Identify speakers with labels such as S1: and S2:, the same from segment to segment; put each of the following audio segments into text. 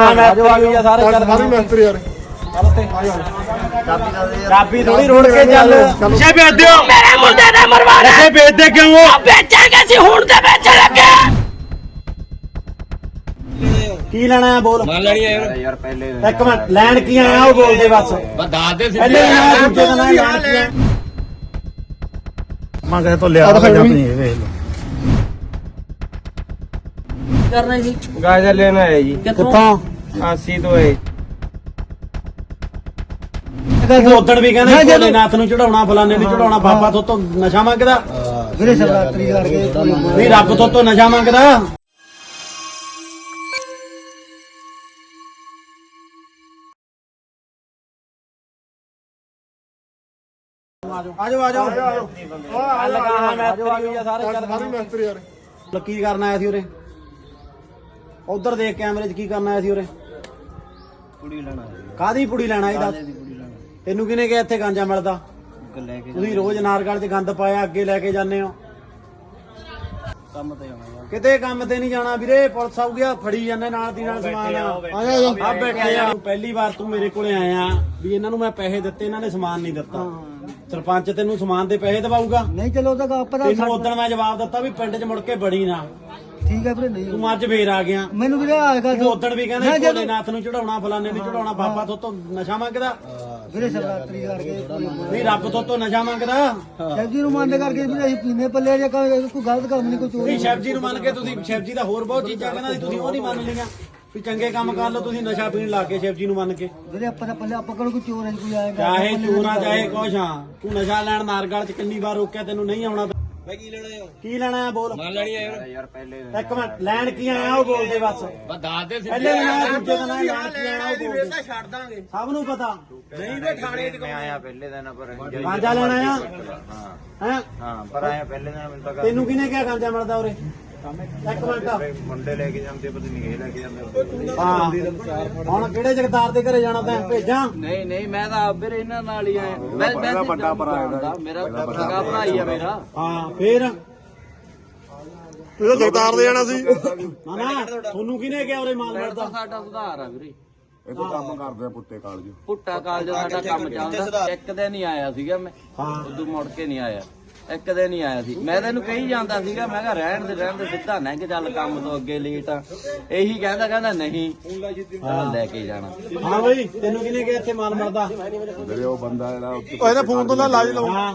S1: ਮਿਸਤਰੀ ਯਾਰ
S2: ਚਾਬੀ ਥੋੜੀ ਰੋੜ ਕੇ ਚੱਲ ਨਸ਼ੇ ਵੇਚਦੇ ਹੋ
S3: ਮੇਰੇ ਮੁੰਡੇ ਨੇ ਮਰਵਾਣਾ
S2: ਨਸ਼ੇ ਵੇਚਦੇ ਕਿਉਂ ਹੋ
S3: ਵੇਚਾਂਗੇ ਸੀ ਹੁਣ ਤੇ ਵੇਚ ਲੱਗੇ
S2: ਕੀ ਲੈਣਾ ਹੈ ਬੋਲ
S4: ਮਾਲ ਲੈਣੀ ਆ ਯਾਰ ਪਹਿਲੇ
S2: ਇੱਕ ਮਿੰਟ ਲੈਣ ਕੀ ਆਇਆ ਉਹ ਬੋਲਦੇ ਬਸ
S4: ਦੱਸ ਦੇ
S2: ਪਹਿਲੇ ਲੈਣ ਦੂਜੇ ਦਾ ਲੈਣ ਕੀ ਆਇਆ ਮੈਂ ਕਹੇ ਤੋਂ ਲਿਆ ਜਾਂ ਨਹੀਂ ਇਹ ਵੇਖ ਲਓ
S3: ਕਰਨਾ ਜੀ
S4: ਗਾਜਰ ਲੈਣਾ ਹੈ ਜੀ
S2: ਕਿੱਥੋਂ
S4: 80 ਤੋਂ ਹੈ
S2: ਤੂੰ ਉਦਣ ਵੀ ਕਹਿੰਦੇ ਭੋਲੇਨਾਥ ਨੂੰ ਚੜਾਉਣਾ ਫਲਾਣੇ ਨੂੰ ਚੜਾਉਣਾ ਬਾਬਾ ਤੋਂ ਨਸ਼ਾ ਮੰਗਦਾ
S1: ਵੀਰੇ ਸ਼ਿਵਰਾਤਰੀ ਕਰਕੇ
S2: ਨਹੀਂ ਰੱਬ ਤੋਂ ਨਸ਼ਾ ਮੰਗਦਾ ਆਜੋ
S1: ਮਿਸਤਰੀ ਯਾਰ
S2: ਕੀ ਕਰਨ ਆਇਆ ਸੀ ਉਰੇ ਉਧਰ ਦੇਖ ਕੈਮਰੇ 'ਚ ਕੀ ਕਰਨ ਆਇਆ ਸੀ ਉਰੇ
S4: ਕੁੜੀ ਲੈਣਾ
S2: ਕਾਦੀ ਪੁੜੀ ਲੈਣਾ ਇਹ ਦੱਸ ਤੈਨੂੰ ਕਿਹਨੇ ਕਿਹਾ ਇੱਥੇ ਗਾਂਜਾ ਮਿਲਦਾ
S4: ਲੈ ਕੇ
S2: ਤੁਸੀਂ ਰੋਜ਼ ਨਾਰਗਲ 'ਚ ਗੰਦ ਪਾਇਆ ਅੱਗੇ ਲੈ ਕੇ ਜਾਂਦੇ ਹੋ
S4: ਕੰਮ ਤੇ ਜਾਣਾ
S2: ਕਿਤੇ ਕੰਮ ਤੇ ਨਹੀਂ ਜਾਣਾ ਵੀਰੇ ਪੁਲਿਸ ਆਊ ਗਿਆ ਫੜੀ ਜਾਂਦੇ ਨਾਲ ਦੀ ਨਾਲ ਸਮਾਨ ਆ ਬੈਠੇ ਆ ਪਹਿਲੀ ਵਾਰ ਤੂੰ ਮੇਰੇ ਕੋਲੇ ਆਇਆ ਵੀ ਇਹਨਾਂ ਨੂੰ ਮੈਂ ਪੈਸੇ ਦਿੱਤੇ ਇਹਨਾਂ ਨੇ ਸਮਾਨ ਨਹੀਂ ਦਿੱਤਾ ਸਰਪੰਚ ਤੈਨੂੰ ਸਮਾਨ ਦੇ ਪੈਸੇ ਦਵਾਊਗਾ
S1: ਨਹੀਂ ਚਲੋ ਤਾਂ ਆਪਾਂ
S2: ਤੈਨੂੰ ਉਦੋਂ ਮੈਂ ਜਵਾਬ ਦਿੱਤਾ ਵੀ ਪਿੰਡ 'ਚ ਮੁੜ ਕੇ ਬੜੀ ਨਾ
S1: ਠੀਕ ਹੈ ਵੀਰੇ ਨਹੀਂ
S2: ਤੂੰ ਅੱਜ ਫੇਰ ਆ ਗਿਆ
S1: ਮੈਨੂੰ ਵੀਰੇ ਆਏਗਾ
S2: ਤੂੰ ਉਦੋਂ ਵੀ ਕਹਿੰਦਾ ਭੋਲੇਨਾਥ ਨੂੰ ਚੜਾਉਣਾ ਫਲਾਣੇ ਨੂੰ ਚੜਾਉਣਾ ਬਾਬਾ ਤੋਂ ਨਸ਼ਾ ਮੰਗਦਾ
S1: ਵੀਰੇ ਸ਼ਿਵਰਾਤਰੀ ਕਰਕੇ
S2: ਨਹੀਂ ਰੱਬ ਤੋਂ ਨਸ਼ਾ ਮੰਗਦਾ
S1: ਸ਼ਿਵਜੀ ਨੂੰ ਮੰਨ ਕਰਕੇ ਵੀਰੇ ਅਸੀਂ ਪੀਨੇ ਪੱਲੇ ਜੇ ਕੋਈ ਗਲਤ ਕੰਮ ਨਹੀਂ ਕੋਈ ਚੋਰੀ
S2: ਨਹੀਂ ਸ਼ਿਵ ਜੀ ਨੂੰ ਮੰਨ ਕੇ ਤੁਸੀਂ ਸ਼ਿਵ ਜੀ ਦਾ ਹੋਰ ਬਹੁਤ ਚੀਜ਼ਾਂ ਕਹਿੰਦਾ ਸੀ ਤੁਸੀਂ ਉਹ ਨਹੀਂ ਮੰਨ ਲਈਆਂ ਵੀ ਚੰਗੇ ਕੰਮ ਕਰ ਲਓ ਤੁਸੀਂ ਨਸ਼ਾ ਪੀਣ ਲੱਗ ਗਏ ਸ਼ਿਵ ਜੀ ਨੂੰ ਮੰਨ ਕੇ
S1: ਵੀਰੇ ਆਪਾਂ ਤਾਂ ਪੱਲੇ ਆਪਾਂ ਕੋਲ ਕੋਈ ਚੋਰ ਹੈ ਕੋਈ ਆਏਗਾ
S2: ਚਾਹੇ ਚੂਨਾ ਚਾਹੇ ਕੁਛ ਹਾਂ ਤੂੰ ਨਸ਼ਾ ਲੈਣ ਨਾਰਗਲ 'ਚ ਕਿੰਨੀ ਵਾਰ ਰੋਕਿਆ ਤੈਨੂੰ ਨਹੀਂ ਆਉਣਾ
S4: ਮੈਂ ਕੀ ਲੈਣਾ ਹੈ
S2: ਕੀ ਲੈਣਾ ਹੈ ਬੋਲ
S4: ਮਾਲ ਲੈਣੀ ਆ ਯਾਰ ਪਹਿਲੇ
S2: ਇੱਕ ਮਿੰਟ ਲੈਣ ਕੀ ਆਇਆ ਉਹ ਬੋਲਦੇ ਬਸ
S4: ਦੱਸ ਦੇ
S2: ਪਹਿਲੇ ਲੈਣਾ ਦੂਜੇ ਦਾ ਲੈਣ ਕੀ ਆਇਆ ਉਹ ਬੋਲਦੇ
S4: ਛੱਡ ਦਾਂਗੇ
S2: ਸਭ ਨੂੰ ਪਤਾ
S4: ਨਹੀਂ ਤੇ ਥਾਣੇ 'ਚ ਮੈਂ ਆਇਆ ਪਹਿਲੇ ਦਿਨ ਪਰ
S2: ਗਾਂਜਾ ਲੈਣਾ ਆ ਹੈ
S4: ਹਾਂ ਪਰ ਆਇਆ ਪਹਿਲੇ ਦਿਨ ਮੈਨੂੰ ਤਾਂ
S2: ਤੈਨੂੰ ਕਿਹਨੇ ਕਿਹਾ ਗਾਂਜਾ ਮਿਲਦਾ ਉਰੇ ਇੱਕ ਮਿੰਟ
S4: ਮੁੰਡੇ ਲੈ ਕੇ ਜਾਂਦੇ ਪਤਾ ਨਹੀਂ ਇਹ ਲੈ ਕੇ ਜਾਂਦੇ
S2: ਹਾਂ ਹੁਣ ਕਿਹੜੇ ਜਗਤਾਰ ਦੇ ਘਰੇ ਜਾਣਾ ਤੈਂ ਭੇਜਾਂ
S5: ਨਹੀਂ ਨਹੀਂ ਮੈਂ ਤਾਂ ਵੀਰ ਇਹਨਾਂ ਨਾਲ ਹੀ ਆਇਆ ਮੈਂ ਵੱਡਾ ਭਰਾ ਮੇਰਾ ਸਗਾ ਭਰਾ ਹੀ ਆ ਮੇਰਾ
S2: ਹਾਂ ਫੇਰ
S1: ਤੂੰ ਜਗਤਾਰ ਦੇ ਜਾਣਾ ਸੀ
S2: ਨਾ ਨਾ ਤੁਹਾਨੂੰ ਕਿਹਨੇ ਕਿਹਾ ਉਰੇ ਮਾਲ ਮਿਲਦਾ
S5: ਸਾਡਾ ਸੁਧਾਰ ਆ ਵੀਰੇ
S1: ਇਹ ਤਾਂ ਕੰਮ ਕਰਦੇ ਆ ਪੁੱਟੇ ਕਾਲਜ
S5: ਪੁੱਟਾ ਕਾਲਜ ਸਾਡਾ ਕੰਮ ਚੱਲਦਾ ਇੱਕ ਦਿਨ ਹੀ ਆਇਆ ਸੀਗਾ ਮੈਂ ਉਦੋਂ ਮੁੜ ਕੇ ਨਹੀਂ ਆਇਆ ਇੱਕ ਦਿਨ ਹੀ ਆਇਆ ਸੀ ਮੈਂ ਤੈਨੂੰ ਕਹੀ ਜਾਂਦਾ ਸੀਗਾ ਮੈਂ ਕਿਹਾ ਰਹਿਣ ਦੇ ਸਿੱਧਾ ਨਾ ਕਿ ਚੱਲ ਕੰਮ ਤੋਂ ਅੱਗੇ ਲੇਟ ਆ ਇਹੀ ਕਹਿੰਦਾ ਨਹੀਂ ਚੱਲ ਲੈ ਕੇ ਜਾਣਾ
S2: ਹਾਂ ਬਈ ਤੈਨੂੰ ਕਿਹਨੇ ਕਿਹਾ ਇੱਥੇ ਮਾਲ ਮਿਲਦਾ
S1: ਮੇਰੇ ਉਹ ਬੰਦਾ ਜਿਹੜਾ ਇਹਦਾ ਫੋਨ ਤੋਂ ਲਾਜ ਲਾਉ
S2: ਹਾਂ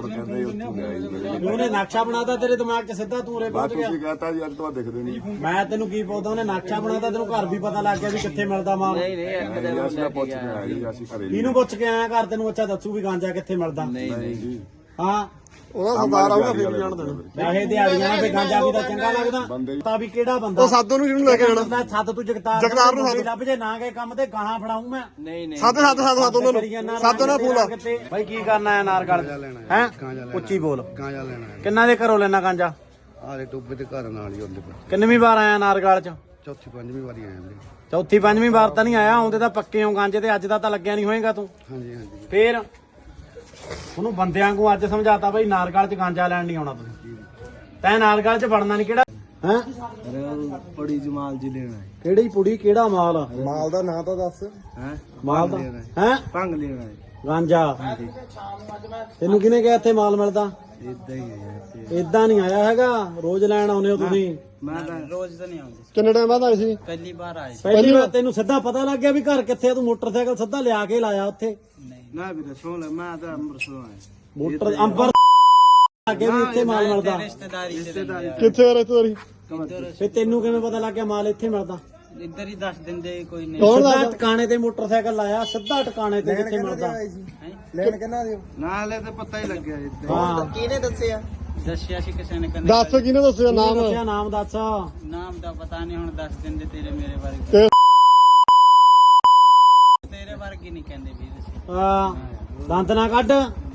S2: ਉਹਨੇ ਨਕਸ਼ਾ ਬਣਾਤਾ ਤੇਰੇ ਦਿਮਾਗ 'ਚ ਸਿੱਧਾ ਤੂੰ ਉਰੇ ਪਹੁੰਚ ਗਿਆ
S1: ਤੁਸੀਂ ਕਹਤਾ ਜੀ ਅੱਜ ਤੋਂ ਦਿਖਦੇ ਨਹੀਂ
S2: ਮੈਂ ਤੈਨੂੰ ਕੀ ਪੁੱਛਦਾ ਉਹਨੇ ਨਕਸ਼ਾ ਬਣਾਤਾ ਤੈਨੂੰ ਘਰ ਵੀ ਪਤਾ ਲੱਗ ਗਿਆ ਵੀ ਕਿੱਥੇ ਮਿਲਦਾ ਮਾਲ
S5: ਨਹੀਂ ਇੱਕ ਦਿਨ
S1: ਅਸੀਂ ਪੁੱਛ ਕੇ ਆਏ ਜੀ ਅਸੀਂ ਘਰੇ
S2: ਇਹਨੂੰ ਪੁੱਛ ਕੇ ਆਇਆ ਘਰ ਤੈਨੂੰ ਅੱਛਾ ਦੱਸੂ ਵੀ ਗਾਂਜਾ ਕਿੱਥੇ ਮਿਲਦਾ
S5: ਨਹੀਂ
S1: ਜੀ
S2: ਹਾਂ
S1: ਉਹਦਾ ਸਰਦਾਰ ਆਊਗਾ ਫਿਰ ਵੀ ਜਾਣ ਦੇਣਾ
S2: ਚਾਹੇ ਦਿਹਾੜੀਆਂ ਨਾਲ ਤੇ ਗਾਂਜਾ ਵੀ ਤਾਂ ਚੰਗਾ ਲੱਗਦਾ ਤਾਂ ਵੀ ਕਿਹੜਾ ਬੰਦਾ
S1: ਉਹ ਸਾਧੂ ਨੂੰ ਕਿਹਨੂੰ ਲੈ ਕੇ ਜਾਣਾ
S2: ਮੈਂ ਸੱਤ ਤੂੰ
S1: ਜਗਤਾਰ ਨੂੰ
S2: ਲੱਭ ਜੇ ਨਾ ਗਏ ਕੰਮ ਤੇ ਗਾਹਾਂ ਫੜਾਉਂ ਮੈਂ
S5: ਨਹੀਂ
S1: ਸਾਧ ਉਹਨਾਂ ਨੂੰ ਸਾਧ ਨਾਲ ਫੋਨ ਲਾ
S2: ਭਾਈ ਕੀ ਕਰਨਾ ਹੈ ਨਾਰਗਲ ਹੈ ਉੱਚੀ ਬੋਲ
S1: ਗਾਂਜਾ ਲੈਣਾ
S2: ਕਿੰਨਾ ਦੇ ਘਰੋਂ ਲੈਣਾ ਗਾਂਜਾ
S1: ਆਲੇ ਟੋਬੇ ਤੇ ਘਰ ਨਾਲ ਹੀ ਹੁੰਦੇ ਪਏ
S2: ਕਿੰਨਵੀਂ ਵਾਰ ਆਇਆ ਨਾਰਗਲ ਚ
S1: ਚੌਥੀ ਪੰਜਵੀਂ ਵਾਰੀ ਆਏ ਵੀਰੇ
S2: ਚੌਥੀ ਪੰਜਵੀਂ ਵਾਰ ਤਾਂ ਨਹੀਂ ਆਇਆ ਆਉਂਦੇ ਤਾਂ ਪੱਕੇ ਹੋ ਗਾਂਜੇ ਤੇ ਅੱਜ ਦਾ ਤਾਂ ਲੱਗਿਆ ਨਹੀਂ ਹੋਏਗਾ ਤੂੰ
S1: ਹਾਂਜੀ ਹਾਂਜੀ
S2: ਫੇਰ ਉਹਨੂੰ ਬੰਦਿਆਂ ਨੂੰ ਅੱਜ ਸਮਝਾਤਾ ਬਈ ਨਾਰਗਲ ਚ ਗਾਂਜਾ ਲੈਣ ਨਹੀਂ ਆਉਣਾ ਤੁਸੀਂ ਤੈਂ ਨਾਰਗਲ ਚ ਵੜਨਾ ਨਹੀਂ ਕਿਹੜਾ ਹੈ
S5: ਬੜੀ ਜਮਾਲ ਜੀ ਲੈਣਾ ਹੈ
S2: ਕਿਹੜੀ ਪੁੜੀ ਕਿਹੜਾ ਮਾਲ
S1: ਮਾਲ ਦਾ ਨਾਂ ਤਾਂ ਦੱਸ
S5: ਹੈ
S2: ਮਾਲ ਦਾ ਹੈ
S5: ਭੰਗ ਲੈਣਾ ਹੈ
S2: ਗਾਂਜਾ ਤੈਨੂੰ ਕਿਹਨੇ ਕਿਹਾ ਇੱਥੇ ਮਾਲ ਮਿਲਦਾ
S5: ਇਦਾਂ ਹੀ ਹੈ
S2: ਏਦਾਂ ਨਹੀਂ ਆਇਆ ਹੈਗਾ ਰੋਜ਼ ਲੈਣ ਆਉਨੇ ਹੋ ਤੁਸੀਂ
S5: ਮੈਂ ਤਾਂ ਰੋਜ਼ ਤਾਂ ਨਹੀਂ ਆਉਂਦੀ
S1: ਕਿੰਨੇ ਟਾਈਮ ਬਾਅਦ ਆਏ ਸੀ
S5: ਪਹਿਲੀ ਵਾਰ ਆਏ
S2: ਪਹਿਲੀ ਵਾਰ ਤੈਨੂੰ ਸਿੱਧਾ ਪਤਾ ਲੱਗ ਗਿਆ ਵੀ ਘਰ ਕਿੱਥੇ ਆ ਤੂੰ ਮੋਟਰਸਾਈਕਲ ਸਿੱਧਾ ਲਿਆ ਕੇ ਲਾਇਆ ਉੱਥੇ
S5: ਨਾ ਵੀਰੇ ਸੁਣ ਲੈ ਮੈਂ ਤਾਂ ਅੰਮ੍ਰਿਤਸਰੋਂ ਆਇਆ
S2: ਮੋਟਰ ਅੰਬਰ ਅੱਗੇ ਵੀ ਇੱਥੇ ਮਾਲ ਮਿਲਦਾ
S5: ਰਿਸ਼ਤੇਦਾਰੀ
S1: ਕਿੱਥੇ ਆ ਰਿਸ਼ਤੇਦਾਰੀ
S2: ਫੇ ਤੈਨੂੰ ਕਿਵੇਂ ਪਤਾ ਲੱਗ ਗਿਆ ਮਾਲ ਇੱਥੇ ਮਿਲਦਾ
S5: ਇੱਧਰ ਹੀ ਦੱਸ ਦਿੰਦੇ ਕੋਈ ਨਹੀਂ
S2: ਸਿੱਧਾ ਟਿਕਾਣੇ ਤੇ ਮੋਟਰਸਾਈਕਲ ਲਾਇਆ ਸਿੱਧਾ ਟਿਕਾਣੇ ਤੇ ਜਿੱਥੇ ਮਿਲਦਾ
S1: ਲੈਣ ਕਿੰਨਾ ਦਿਓ
S5: ਨਾ ਹਲੇ ਤਾਂ ਪਤਾ ਹੀ ਲੱਗਿਆ ਇੱਥੇ
S2: ਹਾਂ
S1: ਕਿਹਨੇ ਦੱਸਿਆ
S5: ਦੱਸਿਆ ਸੀ ਕਿਸੇ ਨੇ ਕਹਿੰਦੇ
S1: ਦੱਸ ਕਿਹਨੇ ਦੱਸਿਆ ਨਾਮ
S2: ਦੱਸਿਆ ਨਾਮ ਦੱਸ
S5: ਨਾਮ ਦਾ ਪਤਾ ਨਹੀਂ ਹੁਣ ਦੱਸ ਦਿੰਦੇ ਤੇਰੇ ਮੇਰੇ ਬਾਰੇ
S1: ਤੇ
S5: ਤੇਰੇ ਬਾਰੇ ਕੀ ਨਹੀਂ ਕਹਿੰਦੇ ਵੀ ਦੱਸੇ
S2: ਹਾਂ ਦੰਦ ਨਾ ਕੱਢ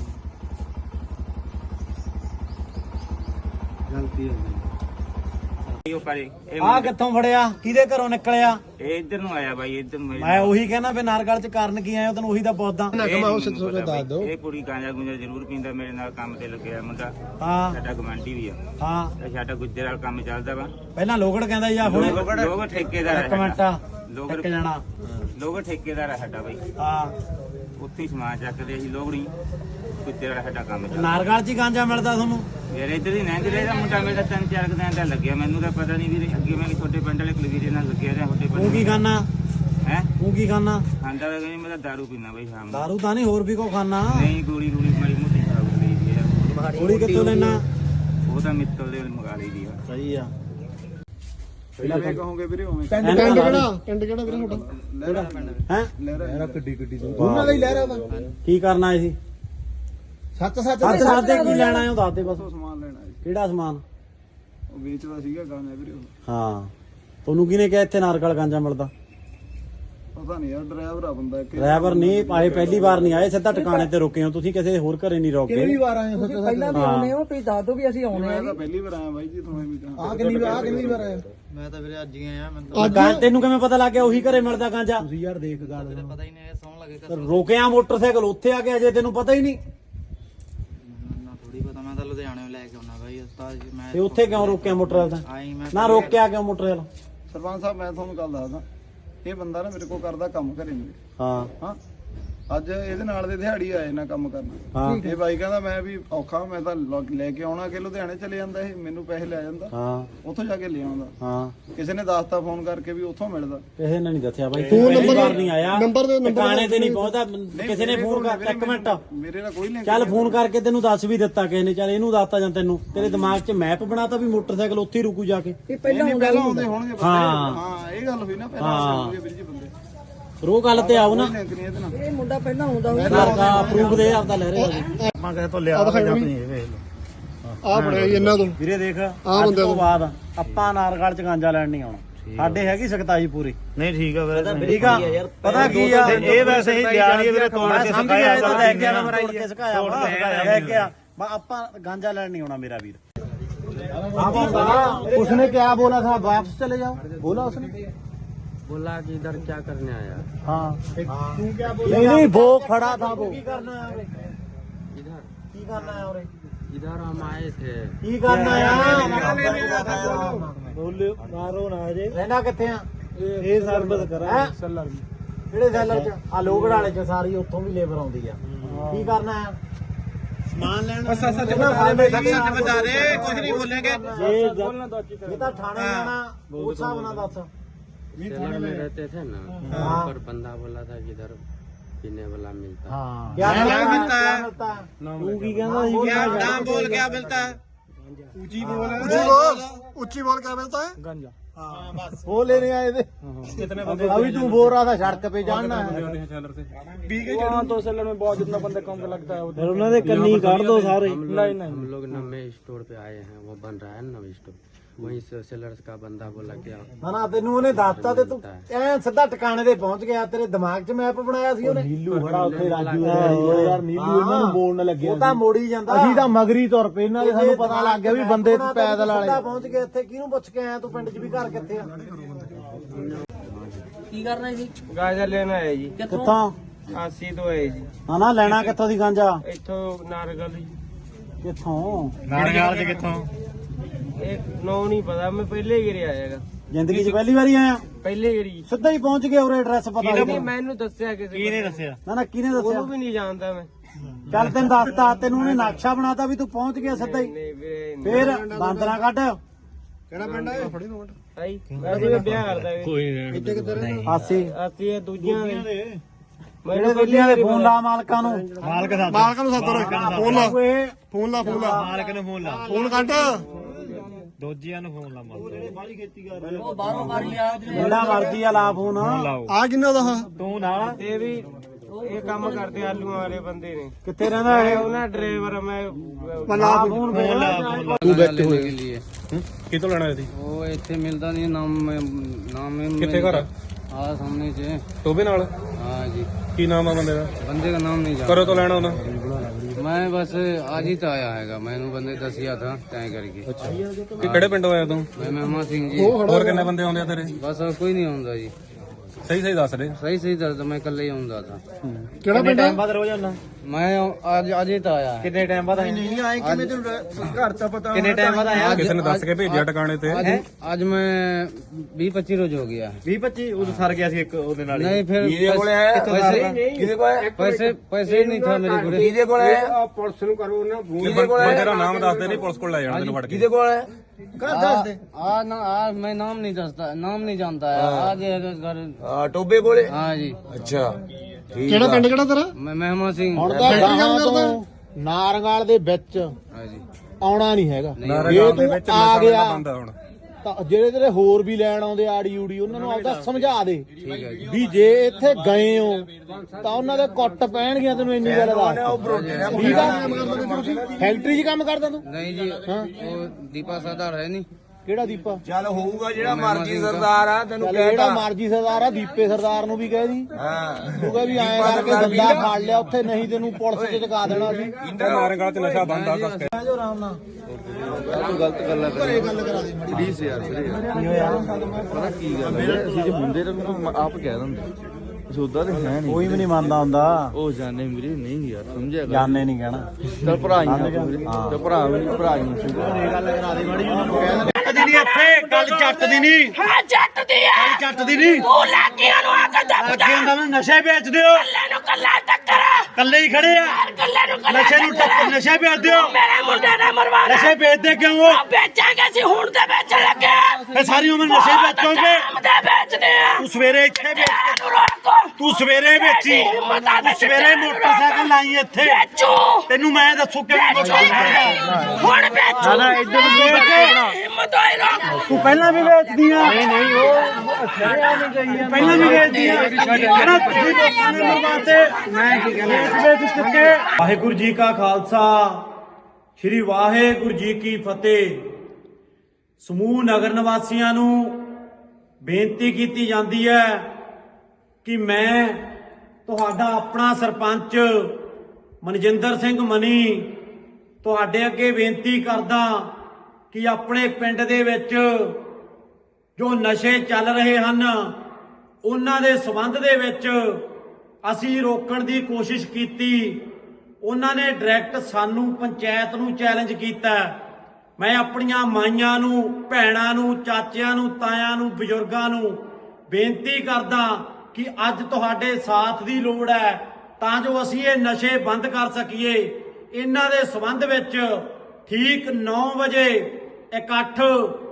S5: ਗਲਤੀ ਹੋ ਗਈ
S4: ਉਹ ਕਰੇ
S2: ਆ ਕਿੱਥੋਂ ਫੜਿਆ ਕਿਹਦੇ ਘਰੋਂ ਨਿਕਲਿਆ
S4: ਇਹ ਇੱਧਰ ਨੂੰ ਆਇਆ ਬਾਈ ਇੱਧਰ ਨੂੰ
S2: ਮੈਂ ਉਹੀ ਕਹਿੰਦਾ ਵੀ ਨਾਰਗਲ ਚ ਕਾਰਨ ਕੀ ਆਇਆ ਤੈਨੂੰ ਉਹੀ ਤਾਂ ਪੁੱਛਦਾ
S4: ਇਹ ਕੁੜੀ ਗਾਂਜਾ ਗੁੰਜਾ ਜ਼ਰੂਰ ਪੀਂਦਾ ਮੇਰੇ ਨਾਲ ਕੰਮ ਤੇ ਲੱਗਿਆ ਮੁੰਡਾ
S2: ਹਾਂ
S4: ਸਾਡਾ ਗਵਾਂਢੀ ਵੀ ਆ
S2: ਹਾਂ
S4: ਤੇ ਸਾਡਾ ਗੁੱਜਰ ਵਾਲਾ ਕੰਮ ਚੱਲਦਾ ਵਾ
S2: ਪਹਿਲਾਂ ਲੋਗੜ ਕਹਿੰਦਾ ਯਾ ਹੁਣੇ
S4: ਲੋਕ ਠੇਕੇਦਾਰ
S2: ਇੱਕ ਮਿੰਟ
S4: ਲੋਕ
S2: ਇੱਕ ਜਣਾ
S4: ਲੋਕ ਠੇਕੇਦਾਰ ਆ ਸਾਡਾ ਬਾਈ,
S2: ਹਾਂ
S4: ਉੱਥੇ ਹੀ ਸਮਾਨ ਚੱਕਦੇ ਅਸੀਂ ਲੋਗੜੀ ਕੁੱਤੇ ਵਾਲਾ ਸਾਡਾ ਕੰਮ ਚੱਲਦਾ।
S2: ਨਾਰਗਲ 'ਚ ਹੀ ਗਾਂਜਾ ਮਿਲਦਾ ਤੁਹਾਨੂੰ?
S4: ਯਾਰ ਇੱਧਰ ਹੀ ਨਹਿੰਗ ਰਿਹਾ ਮੁੰਡਾ ਮੇਰਾ 3-4 ਦਿਨ ਦਾ ਲੱਗਿਆ, ਮੈਨੂੰ ਤਾਂ ਪਤਾ ਨਹੀਂ ਵੀਰੇ, ਅੱਗੇ ਮੈਂ ਛੋਟੇ ਪਿੰਡ ਵਾਲੇ ਕੁਲਵੀਰੇ ਨਾਲ ਲੱਗਿਆ ਰਿਹਾ ਛੋਟੇ
S2: ਤੂੰ ਕੀ
S4: ਪਿੰਡ
S2: ਖਾਨਾ?
S4: ਹੈ
S2: ਤੂੰ ਕੀ ਖਾਨਾ?
S4: ਖਾਂਦਾ ਵਾ ਕਹਿੰਦੀ ਮੈਂ ਤਾਂ ਦਾਰੂ ਪੀਣਾ ਬਾਈ ਸ਼ਾਮ ਨੂੰ।
S2: ਦਾਰੂ ਤਾਂ ਨਹੀਂ, ਹੋਰ ਵੀ ਕੋ ਖਾਨਾ?
S4: ਨਹੀਂ ਗੋਲੀ ਮਾੜੀ ਮੋਟੀ ਖਾ ਲਈ ਦੀ ਆ,
S2: ਗੋਲੀ ਕਿੱਥੋਂ ਲੈਣਾ?
S4: ਉਹ ਤਾਂ ਮਿੱਤਲ ਦੇ ਮੰਗਾ ਲਈ ਦੀ ਆ।
S2: ਸਹੀ ਆ।
S6: ਕਿਵੇਂ ਕਹੋਗੇ ਵੀਰੇ ਉਵੇਂ
S1: ਪਿੰਡ ਕਿਹੜਾ ਵੀਰੇ ਤੁਹਾਡਾ?
S2: ਹੈ
S6: ਲਹਿਰਾ ਕਿੱਡੀ
S1: ਉਹਨਾਂ ਦਾ ਹੀ ਲਹਿਰਾ ਵਾ।
S2: ਕੀ ਕਰਨਾ ਆਏ ਸੀ?
S1: ਸੱਚ
S2: ਅੱਜ ਸਾਡੇ ਕੀ ਲੈਣਾ ਹੈ ਉਹ ਦੱਸ ਦੇ ਬਸ।
S6: ਸਮਾਨ ਲੈਣਾ ਜੀ,
S2: ਕਿਹੜਾ ਸਮਾਨ?
S6: ਉਹ ਵੇਚਦਾ ਸੀਗਾ ਗਾਂਜਾ ਵੀਰੇ ਉਹ।
S2: ਹਾਂ ਤੁਹਾਨੂੰ ਕਿਹਨੇ ਕਿਹਾ ਇੱਥੇ ਨਾਰਗਲ ਗਾਂਜਾ ਮਿਲਦਾ?
S6: ਪਤਾ ਨਹੀਂ ਯਾਰ, ਡਰਾਈਵਰ ਆ ਬੰਦਾ ਇੱਕ।
S2: ਡਰਾਈਵਰ ਨਹੀਂ ਆਏ, ਪਹਿਲੀ ਵਾਰ ਨਹੀਂ ਆਏ, ਸਿੱਧਾ ਟਿਕਾਣੇ ਤੇ ਰੁਕੇ ਹੋ ਤੁਸੀਂ, ਕਿਸੇ ਹੋਰ ਘਰੇ ਨਹੀਂ ਰੋਕੇ।
S1: ਕਿੰਨੀ ਵਾਰ ਆਏ ਹੋ ਸੱਚ?
S3: ਪਹਿਲਾਂ ਵੀ ਆਉਨੇ ਹੋ, ਤੁਸੀਂ ਦੱਸ ਦਿਓ ਵੀ ਅਸੀਂ ਆਉਣੇ
S6: ਮੈਂ ਤਾਂ ਪਹਿਲੀ ਵਾਰ ਆਇਆ ਬਾਈ ਜੀ, ਤੁਹਾਨੂੰ ਵੀ ਕਹਾਂ।
S1: ਕਿੰਨੀ ਵਾਰ ਆਏ?
S6: ਮੈਂ ਤਾਂ ਵੀਰੇ ਅੱਜ ਹੀ ਆਇਆ, ਮੈਨੂੰ
S2: ਤੈਨੂੰ ਕਿਵੇਂ ਪਤਾ ਲੱਗ ਗਿਆ ਉਹੀ ਘਰੇ ਮਿਲਦਾ ਗਾਂਜਾ?
S1: ਤੁਸੀਂ ਯਾਰ ਦੇਖ ਗੱਲ
S6: ਪਤਾ ਹੀ ਨਹੀਂ, ਸੌਣ ਲੱਗੇ
S2: ਰੋਕਿਆ ਮੋਟਰਸਾਈਕਲ ਉੱਥੇ ਆ ਕੇ, ਅਜੇ ਤੈਨੂੰ ਪਤਾ ਹੀ ਨਹੀਂ?
S6: ਨਾ ਥੋੜੀ ਪਤਾ, ਮੈਂ ਤਾਂ ਲੁਧਿਆਣੇ ਲੈ ਕੇ ਆਉਣਾ ਬਾਈ ਉਸਤਾਦ ਜੀ। ਮੈਂ
S2: ਤੇ ਉੱਥੇ ਕਿਉਂ ਰੋਕਿਆ ਮੋਟਰਸਾਈਕਲ?
S6: ਆਈ ਮੈਂ
S2: ਨਾ ਰੋਕਿਆ ਕਿਉਂ ਮੋਟਰਸਾਈਕਲ?
S6: ਸਰਪੰਚ ਸਾਹਿਬ ਮੈਂ ਤੁਹਾਨੂੰ ਗੱਲ ਦੱਸਦਾ, ਇਹ ਬੰਦਾ ਨਾ ਮੇਰੇ ਕੋਲ ਕਰਦਾ ਕੰਮ ਘਰੇ ਮੇਰੇ।
S2: ਹਾਂ
S6: ਹਾਂ ਅੱਜ ਇਹਦੇ ਨਾਲ ਦੇ ਦਿਹਾੜੀ ਆਏ ਨਾ ਕੰਮ ਕਰਨਾ।
S2: ਹਾਂ
S6: ਇਹ ਬਾਈ ਕਹਿੰਦਾ ਮੈਂ ਵੀ ਔਖਾ, ਮੈਂ ਤਾਂ ਲੈ ਕੇ ਆਉਣਾ, ਕਿ ਲੁਧਿਆਣੇ ਚਲੇ ਜਾਂਦਾ, ਇਹ ਮੈਨੂੰ ਪੈਸੇ ਲੈ ਜਾਂਦਾ,
S2: ਹਾਂ
S6: ਉੱਥੋਂ ਜਾ ਕੇ ਲੈ ਆਉਂਦਾ।
S2: ਹਾਂ
S6: ਕਿਸੇ ਨੇ ਦੱਸਤਾ ਫੋਨ ਕਰਕੇ ਵੀ ਉੱਥੋਂ ਮਿਲਦਾ।
S2: ਕਿਸੇ ਨੇ ਨਹੀਂ ਦੱਸਿਆ ਬਾਈ, ਤੂੰ ਪਹਿਲੀ ਵਾਰ ਨਹੀਂ ਆਇਆ, ਟਿਕਾਣੇ ਤੇ ਨਹੀਂ ਪਹੁੰਚਦਾ, ਕਿਸੇ ਨੇ ਫੋਨ ਕਰ, ਇੱਕ ਮਿੰਟ
S6: ਮੇਰੇ ਨਾਲ ਕੋਈ ਲਿੰਕ
S2: ਚੱਲ ਫੋਨ ਕਰਕੇ ਤੈਨੂੰ ਦੱਸ ਵੀ ਦਿੱਤਾ ਕਿਸੇ ਨੇ, ਚੱਲ ਇਹਨੂੰ ਦੱਸਤਾ ਜਾਂ ਤੈਨੂੰ, ਤੇਰੇ ਦਿਮਾਗ 'ਚ ਮੈਪ ਬਣਾਤਾ ਵੀ ਮੋਟਰਸਾਈਕਲ ਉੱਥੇ ਹੀ ਰੁਕੂ ਜਾ ਕੇ।
S6: ਪਹਿਲਾਂ ਆਉਂਦੇ ਹੋਣਗੇ ਬੰਦੇ।
S2: ਹਾਂ।
S6: ਹਾਂ ਇਹ ਗੱਲ ਹੋਈ ਨਾ, ਪਹਿਲਾਂ ਆਉਂਦੇ ਵੀਰ ਜੀ ਬੰਦੇ।
S2: ਰੋ ਗੱਲ ਤੇ ਆਓ ਨਾ,
S6: ਲਿੰਕ ਨਹੀਂ ਇਹਦੇ ਨਾਲ।
S3: ਇਹ ਮੁੰਡਾ ਪਹਿਲਾਂ ਆਉਂਦਾ ਹੋਊ।
S2: ਨਾਰਗਾ ਅਪਰੂਵ ਦੇ ਆਪਦਾ ਲੈ ਰਹੇ ਹੋ।
S1: ਮੈਂ ਕਹੇ ਤੋਂ ਲਿਆ ਜਾਂ ਤੁਸੀਂ ਇਹ ਵੇਖ ਲਓ ਆ ਬੜਿਆ ਇਹਨਾਂ ਤੋਂ।
S2: ਵੀਰੇ ਦੇਖ, ਅੱਜ ਤੋਂ ਬਾਅਦ ਆਪਾਂ ਨਾਰਗਲ 'ਚ ਗਾਂਜਾ ਲੈਣ ਨਹੀਂ ਆਉਣਾ, ਸਾਡੇ ਹੈਗੀ ਸਖਤਾਈ ਪੂਰੀ।
S1: ਨਹੀਂ ਠੀਕ ਆ ਵੀਰੇ,
S2: ਠੀਕ ਆ, ਪਤਾ ਕੀ ਆ,
S1: ਇਹ ਵੈਸੇ ਹੀ ਦਿਹਾੜੀ ਵੀਰੇ ਤੋੜ ਕੇ ਸਿਖਾਇਆ
S2: ਲੈ ਕੇ ਆ, ਤੋੜ ਕੇ ਸਿਖਾਇਆ ਵਾ, ਲੈ ਕੇ ਆ, ਆਪਾਂ ਗਾਂਜਾ ਲੈਣ ਨਹੀਂ ਆਉਣਾ ਮੇਰਾ ਵੀਰ।
S1: उसने क्या बोला था, वापस चले जाओ बोला उसने?
S5: बोला कि इधर क्या करने आया?
S1: हाँ तू क्या बोला? नहीं वो खड़ा था वो।
S2: ਕੀ ਕਰਨਾ ਹੈ ਉਰੇ?
S5: इधर
S2: ਕੀ ਕਰਨਾ ਹੈ ਉਰੇ?
S5: इधर हम आए थे।
S2: ਕੀ ਕਰਨਾ ਆ?
S1: बोले मारो ना जे
S2: ਰਹਿਣਾ ਕਿੱਥੇ ਆ?
S1: ये सर्विस करा
S2: ਹੈਂ?
S1: सैलर
S2: ਕਿਹੜੇ ਸੈਲਰ 'ਚ? ਆ ਲੋਗੜ ਵਾਲੇ 'ਚ ਸਾਰੀ ਉੱਥੋਂ ਵੀ ਲੇਬਰ ਆਉਂਦੀ ਆ। ਕੀ ਕਰਨਾ ਆ? ਸਮਾਨ ਲੈਣ
S1: बता रहे कुछ नहीं बोलेंगे।
S2: ਇਹ ਤਾਂ ਥਾਣੇ ਜਾਣਾ, ਉਸ ਹਿਸਾਬ ਨਾਲ ਦੱਸ।
S5: सेलर में रहते थे ना, वहाँ पर बंदा बोला था कि इधर पीने वाला मिलता है।
S2: ਹਾਂ क्या मिलता है? तू की कहना ਸੀ? क्या नाम बोल क्या मिलता है?
S1: ऊंची बोल क्या मिलता है? गंजा। हाँ बस वो लेने आए थे। कितने बंदे? अभी तू बोल रहा था सड़क पे जानना है। वहाँ तो सेलर में बहुत जितना बंदे कम लगता है उधर। उन्होंने कन्नी काट दो सारे। नहीं
S5: हम लोग नवे स्टोर पे आए हैं, वो बन रहा है ना नवे स्टोर, वहीं से सेलर्स का बंदा बोला क्या
S2: ਨਾ ਨਾ ਤੈਨੂੰ ਉਹਨੇ ਦੱਸਤਾ ਤੇ ਤੂੰ ਐ ਸਿੱਧਾ ਟਿਕਾਣੇ ਤੇ ਪਹੁੰਚ ਗਿਆ, ਤੇਰੇ ਦਿਮਾਗ 'ਚ ਮੈਪ ਬਣਾਇਆ ਸੀ ਉਹਨੇ।
S1: ਨੀਲੂ ਖੜਾ ਉੱਥੇ ਰਾਜੂ ਯਾਰ ਨੀਲੂ ਇਹਨਾਂ ਨੂੰ ਬੋਲਣ ਲੱਗਿਆ
S2: ਉਹ ਤਾਂ ਮੋੜੀ ਜਾਂਦਾ।
S1: ਅਸੀਂ ਤਾਂ ਮਗਰੀ ਤੁਰ ਪਏ, ਇਹਨਾਂ ਦੇ ਸਾਨੂੰ ਪਤਾ ਲੱਗ ਗਿਆ ਵੀ ਬੰਦੇ ਪੈਦਲ ਵਾਲੇ।
S2: ਸਿੱਧਾ ਪਹੁੰਚ ਗਿਆ ਇੱਥੇ, ਕਿਹਨੂੰ ਪੁੱਛ ਕੇ ਆਇਆ ਤੂੰ? ਪਿੰਡ 'ਚ ਵੀ ਘਰ ਕਿੱਥੇ ਆ?
S3: ਕੀ ਕਰਨਾ ਜੀ?
S6: ਗਾਂਜਾ ਲੈਣਾ ਹੈ ਜੀ,
S2: ਕਿੱਥੋਂ?
S6: 80 ਤੋਂ ਹੈ ਜੀ,
S2: ਨਾ ਨਾ ਲੈਣਾ ਕਿੱਥੋਂ ਦੀ ਗਾਂਜਾ?
S6: ਇੱਥੋਂ ਨਾਰਗਲ ਜੀ।
S2: ਕਿੱਥੋਂ?
S1: ਨਾਰਗਾਲ ਚ ਕਿੱਥੋਂ?
S6: ਇੱਕ ਨੋ ਨਹੀਂ ਪਤਾ, ਮੈਂ ਪਹਿਲੇ ਹੀ ਗਿਰੇ ਆਏਗਾ,
S2: ਜ਼ਿੰਦਗੀ 'ਚ ਪਹਿਲੀ ਵਾਰੀ ਆਇਆ?
S6: ਪਹਿਲੇ ਗਿਰੀ।
S2: ਸਿੱਧਾ ਹੀ ਪਹੁੰਚ ਗਿਆ ਉਰੇ, ਐਡਰੈਸ ਪਤਾ ਨਹੀਂ ਤੈਨੂੰ?
S6: ਮੈਨੂੰ ਦੱਸਿਆ ਕਿਸੇ
S1: ਕਿਹਨੇ ਦੱਸਿਆ?
S2: ਨਾ ਨਾ ਕਿਹਨੇ ਦੱਸਿਆ?
S6: ਉਹਨੂੰ ਵੀ ਨਹੀਂ ਜਾਣਦਾ ਮੈਂ।
S2: ਚੱਲ ਤੈਨੂੰ ਦੱਸਤਾ, ਤੈਨੂੰ ਉਹਨੇ ਨਕਸ਼ਾ ਬਣਾਤਾ ਵੀ ਤੂੰ ਪਹੁੰਚ ਗਿਆ ਸਿੱਧਾ ਹੀ।
S6: ਨਹੀਂ ਵੀਰੇ
S2: ਫੇਰ ਬਾਂਦਰਾ ਕੱਢ।
S1: ਕਿਹੜਾ ਪਿੰਡ ਹੈ?
S6: ਭਾਈ ਮੈਂ ਵੀ ਵਿਆਹ ਕਰਦਾ ਵੇ।
S1: ਕੋਈ ਨਹੀਂ ਇੱਥੇ ਕਿੱਧਰ
S2: ਆਸੀ
S6: ਅਸੀਂ ਇਹ ਦੂਜੀਆਂ ਦੇ
S2: ਜਿਹੜੇ ਦੂਜਿਆਂ ਦੇ ਫੋਨ ਲਾ ਮਾਲਕਾਂ ਨੂੰ।
S1: ਮਾਲਕ ਨੂੰ ਸੱਦੋ ਫੋਨ ਲਾ
S2: ਓਏ
S1: ਫੋਨ ਲਾ ਮਾਲਕ ਨੂੰ ਫੋਨ ਲਾ ਫੋਨ ਕੱਢ ਦੋਜੀਆਂ ਨੂੰ ਫੋਨ ਲਾ
S3: ਉਹ ਬਾਹਰੋਂ ਮਾਰੀ ਆ
S2: ਜਿਹੜਾ ਮਰਜ਼ੀ ਆ ਲਾ ਫੋਨ।
S1: ਆ ਕਿੰਨਾ ਦਾ
S2: ਤੂੰ ਨਾਲ
S6: ਇਹ ਵੀ ਇਹ ਕੰਮ ਕਰਦੇ ਆਲੂਆਂ ਵਾਲੇ ਬੰਦੇ ਨੇ।
S2: ਕਿੱਥੇ ਰਹਿੰਦਾ ਇਹ?
S6: ਉਹਨਾਂ ਡਰਾਈਵਰ ਮੈਂ
S2: ਲਾ ਫੋਨ
S1: ਤੂੰ ਵਿੱਚ ਹੋਏ
S5: के लिए
S1: ਕਿਤੋਂ ਲੈਣਾ ਸੀ?
S5: वो इतने मिलता नहीं, नाम में
S1: ਕਿੱਥੇ ਘਰ?
S5: हाँ सामने से।
S1: ਟੋਬੇ ਨਾਲ
S5: हाँ जी,
S1: ਕੀ ਨਾਮ ਆ ਬੰਦੇ ਦਾ?
S5: बंदे का नाम नहीं जाना।
S1: ਕਰੋ ਤੋਂ ਲੈਣਾ ਉਹਨਾਂ
S5: मैं बस आज ही तो आया हैगा, मैंने बंदे दसिया था तय करके।
S1: ਕਿਹੜੇ ਪਿੰਡੋਂ ਆਇਆ ਤੂੰ?
S5: मैं मेहमान सिंह जी।
S1: ਹੋਰ ਕਿੰਨੇ ਬੰਦੇ ਆਉਂਦੇ ਆ ਤੇਰੇ?
S5: बस और कोई नहीं आਉਂਦਾ जी।
S7: ਸਹੀ ਦੱਸ ਰਹੇ
S5: ਸਹੀ ਦੱਸ ਮੈਂ ਇਕੱਲੇ ਹੀ ਆਉਂਦਾ था
S1: ਕਿਹੜਾ ਪਿੰਡ ਟਾਈਮ ਬਾਅਦ ਰੋਜ਼ ਆਉਣਾ
S5: मैं आज ही तो आया
S1: ਕਿੰਨੇ ਟਾਈਮ ਬਾਅਦ ਆਇਆ
S6: ਨਹੀਂ ਆਏ ਕਿਵੇਂ ਤੈਨੂੰ ਘਰ ਤਾਂ ਪਤਾ
S1: ਕਿੰਨੇ ਟਾਈਮ ਬਾਅਦ ਆਇਆ
S7: ਕਿਸੇ ਨੇ ਦੱਸ ਕੇ ਭੇਜਿਆ ਟਿਕਾਣੇ ਤੇ
S5: आज मैं 20-25 रोज हो गया
S1: 20-25 ਉਦੋਂ ਸਰ ਗਿਆ ਸੀ ਇੱਕ ਉਹਦੇ ਨਾਲ
S5: नहीं फिर पैसे नहीं था मेरे पूरे
S7: ਤੇਰਾ ਨਾਮ ਦੱਸਦੇ ਨਹੀਂ ਪੁਲਿਸ ਕੋਲ ਲੈ ਜਾਣਾ ਤੈਨੂੰ ਫੜ ਕੇ
S1: ਘਰ ਦੱਸ ਦੇ
S5: आज मैं नाम नहीं जानता है आज घर
S6: ਟੋਬੇ ਕੋਲੇ
S5: हाँ जी
S6: ਅੱਛਾ
S1: ਕਿਹੜਾ ਪਿੰਡ ਕਿਹੜਾ ਤੇਰਾ
S5: मैं मेहमान सिंह
S1: ਹੁਣ ਤਾਂ ਗਾਹਾਂ ਤੋਂ ਨਾਰੰਗਾਲ ਦੇ ਵਿੱਚ
S5: हाँ जी
S1: ਆਉਣਾ ਨਹੀਂ ਹੈਗਾ
S7: ਨਾਰੇਗਾਲ ਦੇ ਵਿੱਚ
S1: ਆ
S7: ਨਸ਼ਾ
S1: ਗਿਆ
S7: ਬੰਦਾ ਹੁਣ
S1: ਤਾਂ ਜਿਹੜੇ ਤੇਰੇ ਹੋਰ ਵੀ ਲੈਣ ਆਉਂਦੇ ਆੜੀ ਊੜੀ ਉਹਨਾਂ ਨੂੰ ਆਪਦਾ ਸਮਝਾ ਦੇ ਵੀ ਜੇ ਇੱਥੇ ਗਏ ਹੋ ਤਾਂ ਉਹਨਾਂ ਦੇ ਕੁੱਟ ਪੈਣਗੀਆਂ ਤੈਨੂੰ ਇੰਨੀ ਗੱਲ ਦਾ ਠੀਕ ਆ ਫੈਕਟਰੀ 'ਚ ਕੰਮ ਕਰਦਾ ਤੂੰ
S5: नहीं जी वो दीपा सरदार है नहीं
S1: ਕਿਹੜਾ ਦੀਪਾ
S6: ਚੱਲ ਹੋਊਗਾ ਜਿਹੜਾ ਮਰਜੀ ਸਰਦਾਰ ਆ ਤੈਨੂੰ
S1: ਚੱਲ ਜਿਹੜਾ ਮਰਜੀ ਸਰਦਾਰ ਆ ਦੀਪੇ ਸਰਦਾਰ ਨੂੰ ਵੀ ਕਹਿ ਦੀ ਤੂੰ ਕਹੇ ਵੀ ਐਂ ਕਰਕੇ ਬੰਦਾ ਫੜ ਲਿਆ ਉੱਥੇ ਨਹੀਂ ਤੈਨੂੰ ਪੁਲਿਸ 'ਚ ਚੁਕਾ ਦੇਣਾ ਸੀ
S7: ਨਾਰੇਗਾਲ ਚ ਨਸ਼ਾ ਬੰਦਾ ਦੱਸ ਕੇ
S1: ਜੋ ਆਰਾਮ ਨਾਲ
S6: ਗਲਤ ਗੱਲ ਆ ਘਰੇ ਗੱਲ ਕਰਾ ਦੇ ਮੜੀ ਪਲੀਜ਼ ਯਾਰ ਕੀ ਹੋਇਆ ਪਤਾ ਕੀ ਗੱਲ ਹੈ ਅਸੀਂ ਜੇ ਹੁੰਦੇ ਤਾਂ ਮੈਨੂੰ ਆਪ ਕਹਿ ਦਿੰਦੇ ਸੋਦਾ ਤੇ ਹੈ ਨਹੀਂ
S1: ਕੋਈ ਵੀ ਨਹੀਂ ਮੰਨਦਾ ਹੁੰਦਾ
S6: ਉਹ ਜਾਣੇ ਵੀਰੇ ਨਹੀਂ ਯਾਰ ਸਮਝਿਆ ਕਰ
S1: ਜਾਣੇ ਨਹੀਂ ਕਹਿਣਾ
S6: ਚੱਲ ਭਰਾ ਹੀ ਆ ਵੀਰੇ ਤੇ ਭਰਾ ਹੀ ਸੀ
S1: ਗੱਲ ਕਰਾ ਦੇ ਮਾੜੀ ਉਹਨਾਂ ਨੂੰ ਕਹਿ ਦੇ ਜੱਟ ਦੀ ਨਹੀਂ ਇੱਥੇ ਗੱਲ ਜੱਟ ਦੀ ਨਹੀਂ
S2: ਹਾਂ ਜੱਟ ਦੀ ਆ
S1: ਗੱਲ ਜੱਟ ਦੀ ਨਹੀਂ
S2: ਤੂੰ ਲਾਗੀਆਂ ਨੂੰ ਆ ਕੇ ਦੱਬ
S1: ਅੱਗੇ ਹੁੰਦਾ ਮੈਂ ਨਸ਼ੇ ਵੇਚਦੇ ਹੋ
S2: ਕੱਲੇ ਨੂੰ ਕੱਲਾ ਟੱਕਰ
S1: ਕੱਲੇ ਹੀ ਖੜੇ ਆ
S2: ਕੱਲੇ ਨੂੰ ਕੱਲਾ
S1: ਨਸ਼ੇ ਨੂੰ ਟੱਕਰ ਨਸ਼ੇ ਵੇਚਦੇ ਹੋ
S2: ਮੇਰੇ ਮੁੰਡੇ ਨੇ ਮਰਵਾਣਾ
S1: ਨਸ਼ੇ ਵੇਚਦੇ ਕਿਉਂ ਹੋ
S2: ਵੇਚਾਂਗੇ ਸੀ ਹੁਣ ਤੇ ਵੇਚਣ ਲੱਗੇ
S1: ਇਹ ਸਾਰੀ ਉਮਰ ਨਸ਼ੇ ਵੇਚੋਗੇ
S2: ਤੇ ਵੇਚਦੇ ਆ
S1: ਤੂੰ ਸਵੇਰੇ ਇੱਥੇ ਵੇਚ
S2: ਤੂੰ ਰੋਕੋ
S1: ਤੂੰ ਸਵੇਰੇ ਵੇਚੀ ਤੂੰ ਸਵੇਰੇ ਮੋਟਰਸਾਈਕਲ ਲਾਈ ਇੱਥੇ
S2: ਵੇਚੋ
S1: ਤੈਨੂੰ ਮੈਂ ਦੱਸੂ ਕਿਵੇਂ
S2: ਹੁਣ ਵੇਚੋ
S1: ਨਾ ਇੱਧਰ ਵੇਚ
S2: ਹਿੰਮਤ ਹੋਈ ਰੋਕ
S1: ਤੂੰ ਪਹਿਲਾਂ ਵੀ ਵੇਚਦੀ ਆ ਨਹੀਂ ਉਹ ਸ਼ਰਿਆ ਨਹੀਂ ਗਈ ਪਹਿਲਾਂ ਵੀ ਵੇਚਦੀ ਆ ਜਿਹੜਾ ਤੁਸੀਂ ਲੋਕਾਂ ਨੂੰ ਮਰਵਾਤੇ ਮੈਂ ਕੀ ਕਹਿੰਦਾ ਵੇਚ ਚੁੱਕੇ ਵਾਹਿਗੁਰੂ ਜੀ ਕਾ ਖਾਲਸਾ ਸ੍ਰੀ ਵਾਹਿਗੁਰੂ ਜੀ ਕੀ ਫਤਿਹ ਸਮੂਹ ਨਗਰ ਨਿਵਾਸੀਆਂ ਨੂੰ ਬੇਨਤੀ ਕੀਤੀ ਜਾਂਦੀ ਹੈ ਕਿ ਮੈਂ ਤੁਹਾਡਾ ਆਪਣਾ ਸਰਪੰਚ ਮਨਜਿੰਦਰ ਸਿੰਘ ਮਨੀ ਤੁਹਾਡੇ ਅੱਗੇ ਬੇਨਤੀ ਕਰਦਾ ਕਿ ਆਪਣੇ ਪਿੰਡ ਦੇ ਵਿੱਚ ਜੋ ਨਸ਼ੇ ਚੱਲ ਰਹੇ ਹਨ ਉਹਨਾਂ ਦੇ ਸਬੰਧ ਦੇ ਵਿੱਚ ਅਸੀਂ ਰੋਕਣ ਦੀ ਕੋਸ਼ਿਸ਼ ਕੀਤੀ ਉਹਨਾਂ ਨੇ ਡਾਇਰੈਕਟ ਸਾਨੂੰ ਪੰਚਾਇਤ ਨੂੰ ਚੈਲੰਜ ਕੀਤਾ ਮੈਂ ਆਪਣੀਆਂ ਮਾਈਆਂ ਨੂੰ ਭੈਣਾਂ ਨੂੰ ਚਾਚਿਆਂ ਨੂੰ ਤਾਇਆਂ ਨੂੰ ਬਜ਼ੁਰਗਾਂ ਨੂੰ ਬੇਨਤੀ ਕਰਦਾ ਕਿ ਅੱਜ ਤੁਹਾਡੇ ਸਾਥ ਦੀ ਲੋੜ ਹੈ ਤਾਂ ਜੋ ਅਸੀਂ ਇਹ ਨਸ਼ੇ ਬੰਦ ਕਰ ਸਕੀਏ ਇਹਨਾਂ ਦੇ ਸਬੰਧ ਵਿੱਚ ਠੀਕ 9 ਵਜੇ ਇਕੱਠ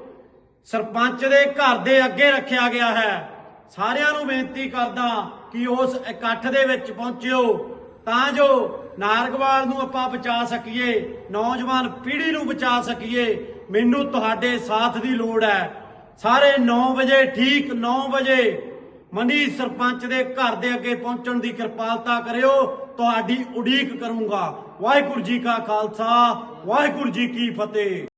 S1: ਸਰਪੰਚ ਦੇ ਘਰ ਦੇ ਅੱਗੇ ਰੱਖਿਆ ਗਿਆ ਹੈ ਸਾਰਿਆਂ ਨੂੰ ਬੇਨਤੀ ਕਰਦਾ ਕਿ ਉਸ ਇਕੱਠ ਦੇ ਵਿੱਚ ਪਹੁੰਚਿਓ ਤਾਂ ਜੋ ਨਾਰਗਵਾਲ ਨੂੰ ਆਪਾਂ ਬਚਾ ਸਕੀਏ ਨੌਜਵਾਨ ਪੀੜ੍ਹੀ ਨੂੰ ਬਚਾ ਸਕੀਏ ਮੈਨੂੰ ਤੁਹਾਡੇ ਸਾਥ ਦੀ ਲੋੜ ਹੈ ਸਾਰੇ 9 ਵਜੇ ਠੀਕ 9 ਵਜੇ ਮਨੀ ਸਰਪੰਚ ਦੇ ਘਰ ਦੇ ਅੱਗੇ ਪਹੁੰਚਣ ਦੀ ਕਿਰਪਾਲਤਾ ਕਰਿਓ ਤੁਹਾਡੀ ਉਡੀਕ ਕਰੂੰਗਾ ਵਾਹਿਗੁਰੂ ਜੀ ਕਾ ਖਾਲਸਾ ਵਾਹਿਗੁਰੂ ਜੀ ਕੀ ਫਤਿਹ।